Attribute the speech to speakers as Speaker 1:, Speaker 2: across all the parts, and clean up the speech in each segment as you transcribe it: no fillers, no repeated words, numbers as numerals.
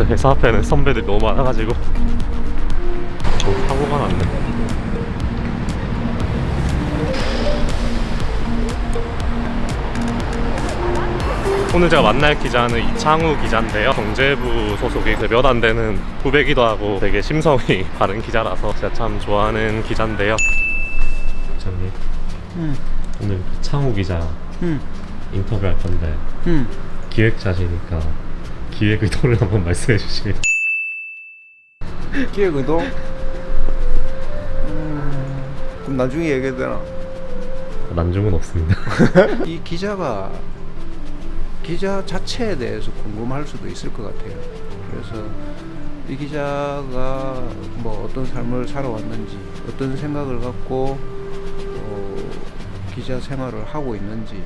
Speaker 1: 회사 앞에는 선배들이 너무 많아가지고 사고가 났네. 오늘 제가 만날 기자는 이창우 기자인데요. 경제부 소속이 몇 안 되는 후배기도 하고 되게 심성이 바른 기자라서 제가 참 좋아하는 기자인데요. 기자님, 오늘 창우 기자 인터뷰할 건데 기획자시니까 기획 의도를 한번 말씀해 주시면.
Speaker 2: 기획 의도? 그럼 나중에 얘기해도 되나?
Speaker 1: 난중은 없습니다.
Speaker 2: 이 기자가 기자 자체에 대해서 궁금할 수도 있을 것 같아요. 그래서 이 기자가 뭐 어떤 삶을 살아왔는지, 어떤 생각을 갖고 기자 생활을 하고 있는지.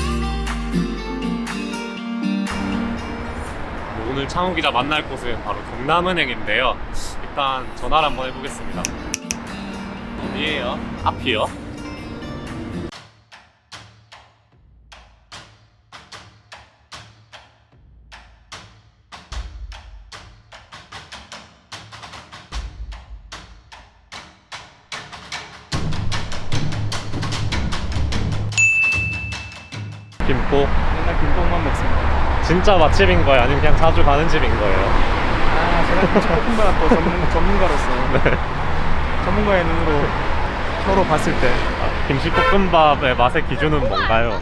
Speaker 1: 오늘 창우 기자 만날 곳은 바로 경남은행인데요. 일단 전화를 한번 해보겠습니다. 어디에요? 앞이요? 김포?
Speaker 3: 맨날 김밥만 먹습니다.
Speaker 1: 진짜 맛집인 거예요? 아니면 그냥 자주 가는 집인 거예요?
Speaker 3: 제가 김치볶음밥 또 전문가로서 전문가의 눈으로 서로 봤을 때
Speaker 1: 김치볶음밥의 맛의 기준은 뭔가요?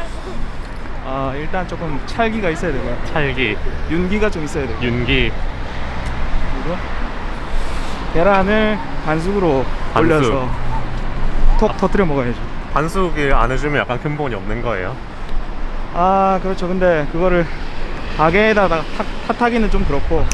Speaker 3: 일단 조금 찰기가 있어야 되고요.
Speaker 1: 찰기,
Speaker 3: 윤기가 좀 있어야 되고,
Speaker 1: 윤기,
Speaker 3: 그리고 계란을 반숙으로
Speaker 1: 반숙.
Speaker 3: 올려서 톡 터뜨려 먹어야죠.
Speaker 1: 반숙을 안 해주면 약간 근본이 없는 거예요?
Speaker 3: 그렇죠. 근데 그거를 가게에다가 탓하기는 좀 그렇고,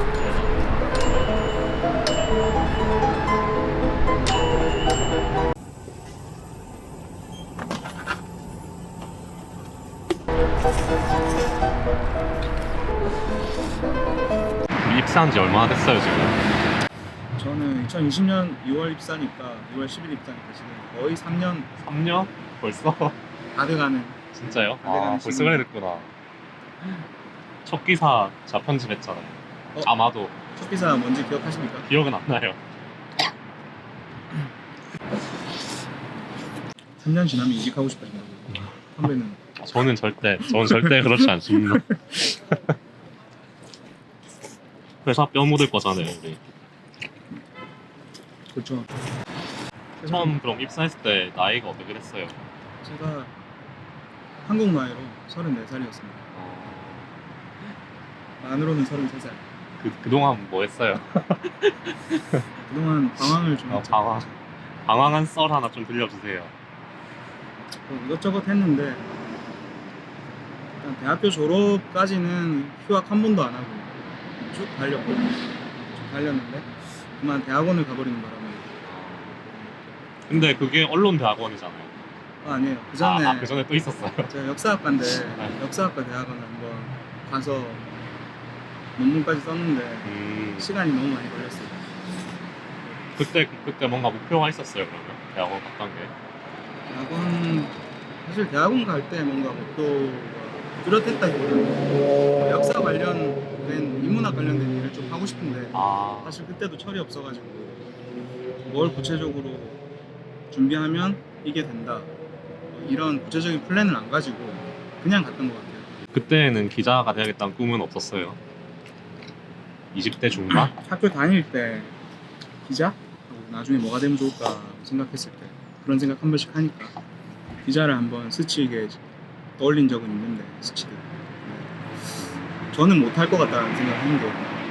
Speaker 1: 입사한 지 얼마나 됐어요 지금?
Speaker 3: 저는 2020년 6월 입사니까 6월 10일 입사니까 지금 거의 3년
Speaker 1: 3년? 벌써?
Speaker 3: 다 돼가는.
Speaker 1: 진짜요?
Speaker 3: 내가
Speaker 1: 벌써
Speaker 3: 지금-
Speaker 1: 그래 됐구나. 첫 기사 자 편집했잖아요. 아마도
Speaker 3: 첫 기사 뭔지 기억하십니까?
Speaker 1: 기억은 안 나요.
Speaker 3: 3년 지나면 이직하고 싶어진다고. 선배는
Speaker 1: 저는 절대 그렇지 않습니다. 회사 뼈 묻을 거잖아요 우리.
Speaker 3: 그렇죠.
Speaker 1: 처음 그럼 입사했을 때 나이가 어떻게 됐어요?
Speaker 3: 제가 한국 나이로 34살이었습니다. 만으로는 33살.
Speaker 1: 그동안 뭐 했어요?
Speaker 3: 그동안 방황을 좀 했죠.
Speaker 1: 방황한 썰 하나 좀 들려주세요.
Speaker 3: 뭐 이것저것 했는데 일단 대학교 졸업까지는 휴학 한 번도 안 하고 쭉 달렸는데 그만 대학원을 가버리는 바람에.
Speaker 1: 근데 그게 언론대학원이잖아요.
Speaker 3: 아니에요. 그 전에
Speaker 1: 그 전에 또 있었어요.
Speaker 3: 제가 역사학과인데
Speaker 1: 네.
Speaker 3: 역사학과 대학원을 한번 가서 논문까지 썼는데 시간이 너무 많이 걸렸어요.
Speaker 1: 그때 뭔가 목표가 있었어요 그러면 대학원 갔던 게.
Speaker 3: 대학원 사실 대학원 갈 때 뭔가 목표가 뚜렷했다기보다는 역사 관련된 인문학 관련된 일을 좀 하고 싶은데 사실 그때도 철이 없어가지고 뭘 구체적으로 준비하면 이게 된다 이런 구체적인 플랜을 안 가지고 그냥 갔던 것 같아요.
Speaker 1: 그때는 기자가 돼야겠다는 꿈은 없었어요. 20대 중반?
Speaker 3: 학교 다닐 때 기자? 나중에 뭐가 되면 좋을까 생각했을 때 그런 생각 한 번씩 하니까 기자를 한번 스치게 떠올린 적은 있는데 스치듯 저는 못할 것 같다는 생각을 했는데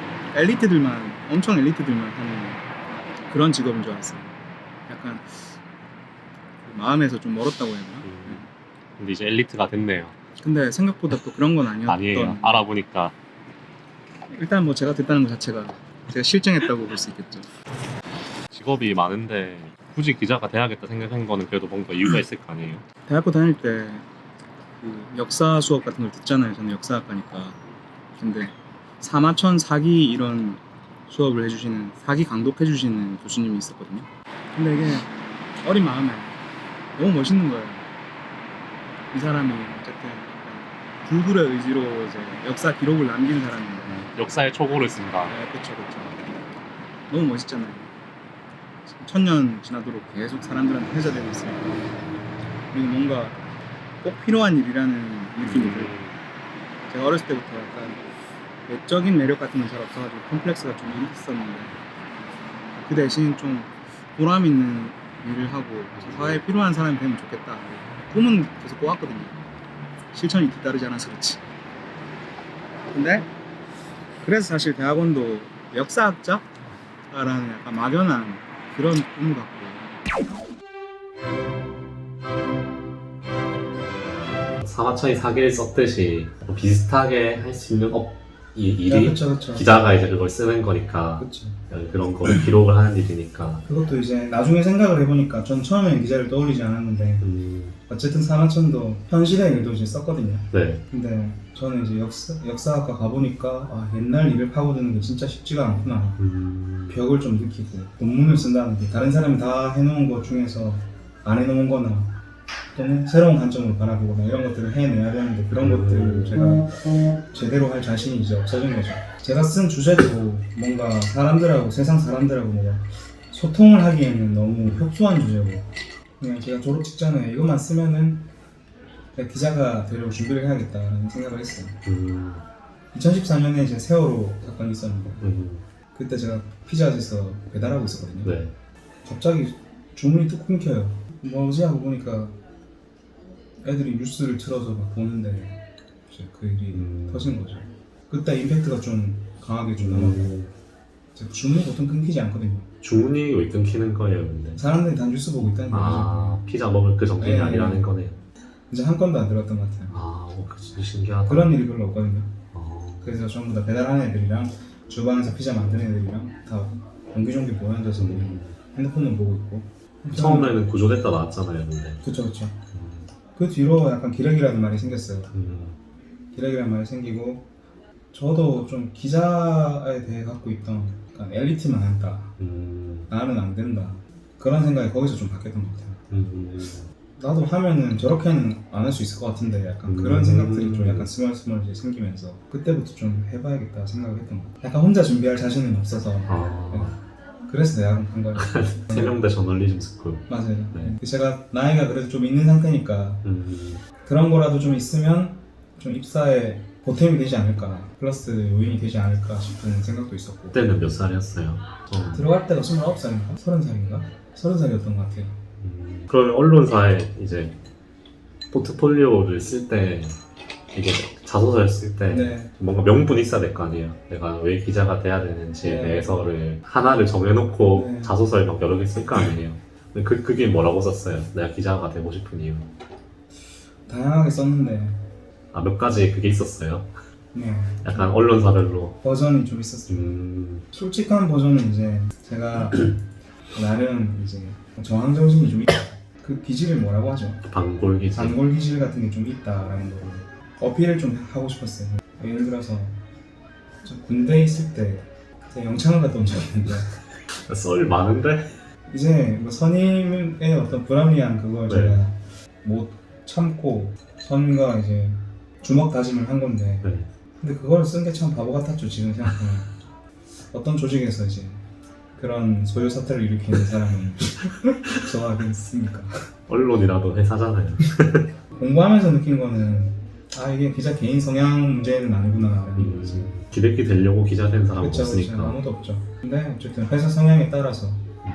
Speaker 3: 엄청 엘리트들만 하는 그런 직업인 줄 알았어요. 약간 마음에서 좀 멀었다고 해야 되나?
Speaker 1: 근데 이제 엘리트가 됐네요.
Speaker 3: 근데 생각보다 또 그런 건 아니었던.
Speaker 1: 아니에요. 알아보니까.
Speaker 3: 일단 뭐 제가 됐다는 것 자체가 제가 실증했다고 볼 수 있겠죠.
Speaker 1: 직업이 많은데 굳이 기자가 돼야겠다 생각한 거는 그래도 뭔가 이유가 있을 거 아니에요?
Speaker 3: 대학교 다닐 때 그 역사 수업 같은 걸 듣잖아요. 저는 역사학과니까. 근데 사마천 사기 이런 수업을 해주시는 사기 강독해주시는 교수님이 있었거든요. 근데 이게 어린 마음에 너무 멋있는 거예요. 이 사람이 어쨌든 불굴의 의지로 이제 역사 기록을 남긴 사람인데.
Speaker 1: 역사의 초고를 쓴다.
Speaker 3: 네, 그쵸. 너무 멋있잖아요. 1000년 지나도록 계속 사람들한테 회자되고 있으니까. 그리고 뭔가 꼭 필요한 일이라는 느낌이 들고. 제가 어렸을 때부터 약간 외적인 매력 같은 건 잘 없어가지고 컴플렉스가 좀 있었는데 그 대신 좀 보람 있는 일을 하고 사회에 필요한 사람이 되면 좋겠다. 꿈은 계속 꿔왔거든요. 실천이 뒤따르지 않아서 그렇지. 근데 그래서 사실 대학원도 역사학자라는 약간 막연한 그런 꿈을 갖고.
Speaker 1: 사마천이 사기를 썼듯이 비슷하게 할 수 있는 일이
Speaker 3: 그쵸.
Speaker 1: 기자가 이제 그걸 쓰는 거니까
Speaker 3: 그쵸.
Speaker 1: 그런 거를 기록을 하는 일이니까.
Speaker 3: 그것도 이제 나중에 생각을 해보니까 전 처음엔 기자를 떠올리지 않았는데 어쨌든 사마천도 현실의 일도 이제 썼거든요.
Speaker 1: 네.
Speaker 3: 근데 저는 이제 역사학과 가보니까 아, 옛날 일을 파고드는 게 진짜 쉽지가 않구나. 벽을 좀 느끼고 논문을 쓴다는 게 다른 사람이 다 해놓은 것 중에서 안 해놓은 거나 또는 새로운 관점으로 바라보거나 이런 것들을 해내야 되는데 그런 것들을 제가 제대로 할 자신이 이제 없어진 거죠. 제가 쓴 주제도 뭔가 사람들하고 세상 사람들하고 뭔가 소통을 하기에는 너무 협소한 주제고 그냥 제가 졸업 직전에 이것만 쓰면은 기자가 되려고 준비를 해야겠다라는 생각을 했어요. 2014년에 이제 세월호 사건이 있었는데 그때 제가 피자헛에서 배달하고 있었거든요.
Speaker 1: 네.
Speaker 3: 갑자기 주문이 뚝 끊겨요. 뭐지 하고 보니까 애들이 뉴스를 틀어서 막 보는데 이제 그 일이 터진 거죠. 그때 임팩트가 좀 강하게 좀 남았고 주문이 보통 끊기지 않거든요.
Speaker 1: 주문이 왜 끊기는 거예요, 근데?
Speaker 3: 사람들이 다 뉴스 보고 있다는
Speaker 1: 아, 피자 먹을 그 정신이
Speaker 3: 네.
Speaker 1: 아니라는 거네요.
Speaker 3: 이제 한 건도 안 들었던 것 같아요.
Speaker 1: 아, 그 진짜 신기하다.
Speaker 3: 그런 일이 별로 없거든요.
Speaker 1: 어.
Speaker 3: 그래서 전부 다 배달하는 애들이랑 주방에서 피자 만드는 애들이랑 다 옹기종기 모여앉아서 핸드폰만 보고 있고.
Speaker 1: 처음에는 구조됐다 나왔잖아요, 근데.
Speaker 3: 그쵸. 그 뒤로 약간 기레기라는 말이 생겼어요. 기레기라는 말이 생기고 저도 좀 기자에 대해 갖고 있던 약간 엘리트만 한다. 나는 안 된다. 그런 생각이 거기서 좀 바뀌었던 것 같아요. 나도 하면은 저렇게는 안 할 수 있을 것 같은데 약간 그런 생각들이 좀 약간 스멀스멀 이제 생기면서 그때부터 좀 해봐야겠다 생각을 했던 것 같아요. 약간 혼자 준비할 자신은 없어서 그래서 대학원 간 거예요.
Speaker 1: 세명대 저널리즘 스쿨.
Speaker 3: 맞아요.
Speaker 1: 네.
Speaker 3: 제가 나이가 그래도 좀 있는 상태니까 그런 거라도 좀 있으면 좀 입사에 보탬이 되지 않을까, 플러스 요인이 되지 않을까 싶은 생각도 있었고.
Speaker 1: 그때는 몇 살이었어요?
Speaker 3: 들어갈 때가 29살인가? 30살인가? 30살이었던 것 같아요.
Speaker 1: 그러면 언론사에 이제 포트폴리오를 쓸 때 이게 자소서를 쓸 때
Speaker 3: 네.
Speaker 1: 뭔가 명분이 있어야 될 거 아니에요. 내가 왜 기자가 돼야 되는지에
Speaker 3: 네.
Speaker 1: 대해서를 하나를 정해놓고
Speaker 3: 네.
Speaker 1: 자소서에 막 여러 개 쓸 거 아니에요. 근데 그게 뭐라고 썼어요? 내가 기자가 되고 싶은 이유.
Speaker 3: 다양하게 썼는데
Speaker 1: 아, 몇 가지 그게 있었어요?
Speaker 3: 네.
Speaker 1: 약간 언론사별로.
Speaker 3: 버전이 좀 있었어요. 솔직한 버전은 이제 제가 나름 이제 저항 정신이 좀 있다. 그 기질을 뭐라고 하죠?
Speaker 1: 반골기지.
Speaker 3: 단골 기질 같은 게 좀 있다라는 거를 어필을 좀 하고 싶었어요. 예를 들어서 저 군대에 있을 때 제가 영창을 갔다 온 적이 있는데
Speaker 1: 썰 많은데?
Speaker 3: 이제 뭐 선임의 어떤 불합리한 그걸
Speaker 1: 네.
Speaker 3: 제가 못 참고 선임과 이제 주먹 다짐을 한 건데
Speaker 1: 네.
Speaker 3: 근데 그걸 쓴 게 참 바보 같았죠. 지금 생각하면 어떤 조직에서 이제 그런 소요 사태를 일으키는 사람은 좋아하겠습니까?
Speaker 1: 언론이라도 회사잖아요.
Speaker 3: 공부하면서 느낀 거는 아 이게 기자 개인 성향 문제는 아니구나라는 거지.
Speaker 1: 기백기 되려고 기자 된 사람은
Speaker 3: 그쵸,
Speaker 1: 없으니까.
Speaker 3: 아무도 없죠. 근데 어쨌든 회사 성향에 따라서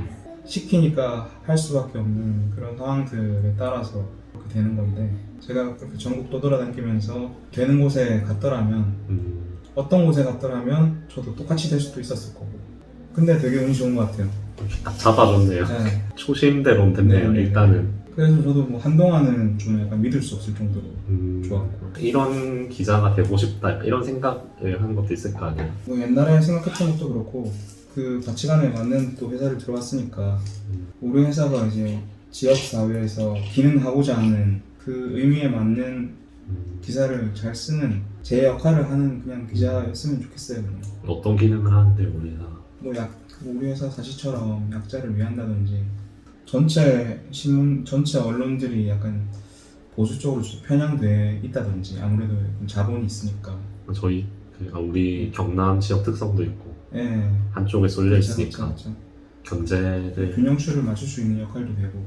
Speaker 3: 시키니까 할 수밖에 없는 그런 상황들에 따라서 그렇게 되는 건데 제가 그렇게 전국 떠돌아다니면서 되는 곳에 갔더라면 어떤 곳에 갔더라면 저도 똑같이 될 수도 있었을 거고 근데 되게 운이 좋은 것 같아요.
Speaker 1: 딱 잡아줬네요.
Speaker 3: 네.
Speaker 1: 초심대로 됐네요.
Speaker 3: 네.
Speaker 1: 일단은.
Speaker 3: 그래서 저도 뭐 한동안은 좀 약간 믿을 수 없을 정도로 좋았고
Speaker 1: 이런 기자가 되고 싶다 이런 생각을 한 것도 있을 거 아니에요.
Speaker 3: 뭐 옛날에 생각했던 것도 그렇고 그 가치관에 맞는 또 회사를 들어갔으니까 우리 회사가 이제 지역 사회에서 기능하고자 하는 그 의미에 맞는 기사를 잘 쓰는 제 역할을 하는 그냥 기자였으면 좋겠어요. 그냥.
Speaker 1: 어떤 기능을 하는데 우리 회사?
Speaker 3: 뭐 우리 회사 사실처럼 약자를 위한다든지 전체 신문, 전체 언론들이 약간
Speaker 4: 보수 쪽으로 좀 편향돼 있다든지 아무래도 좀 자본이 있으니까
Speaker 1: 저희 우리 경남 지역 특성도 있고
Speaker 4: 예,
Speaker 1: 한쪽에 쏠려
Speaker 4: 그렇죠,
Speaker 1: 있으니까
Speaker 4: 그렇죠.
Speaker 1: 경제를
Speaker 4: 균형추를 맞출 수 있는 역할도 되고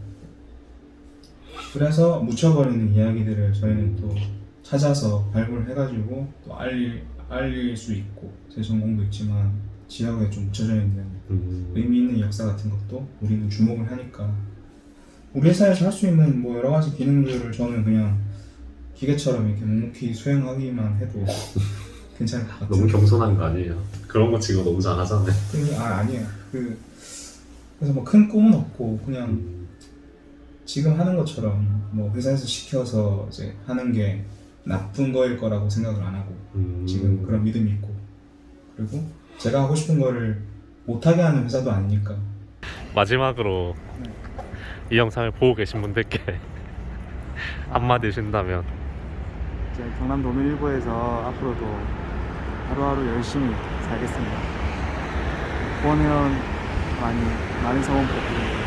Speaker 4: 그래서 묻혀버리는 이야기들을 저희는 또 찾아서 발굴해가지고 또 알릴 수 있고 제 전공도 있지만 지역에 좀 묻혀져 있는 의미 있는 역사 같은 것도 우리는 주목을 하니까 우리 회사에서 할 수 있는 뭐 여러 가지 기능들을 저는 그냥 기계처럼 이렇게 묵묵히 수행하기만 해도 괜찮을 것 같아요.
Speaker 1: 너무 겸손한 거 아니에요? 그런 거 지금 너무 잘하잖아요.
Speaker 4: 아니에요. 그래서 뭐 큰 꿈은 없고 그냥 지금 하는 것처럼 뭐 회사에서 시켜서 이제 하는 게 나쁜 거일 거라고 생각을 안 하고 지금 그런 믿음이 있고 그리고 제가 하고 싶은 거를 못하게 하는 회사도 아니니까.
Speaker 1: 마지막으로 이 영상을 보고 계신 분들께 한마디 주신다면.
Speaker 3: 이제 경남 노밀일보에서 앞으로도 하루하루 열심히 살겠습니다. 후원회원 많은 성원 부탁드립니다.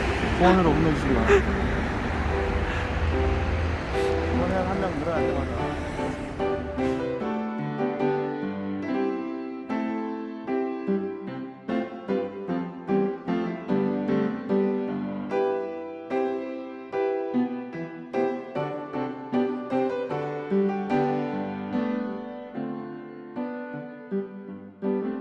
Speaker 3: 후원으로 힘내주시기 바랍니다. 후원회원 한 명 늘어날 때마다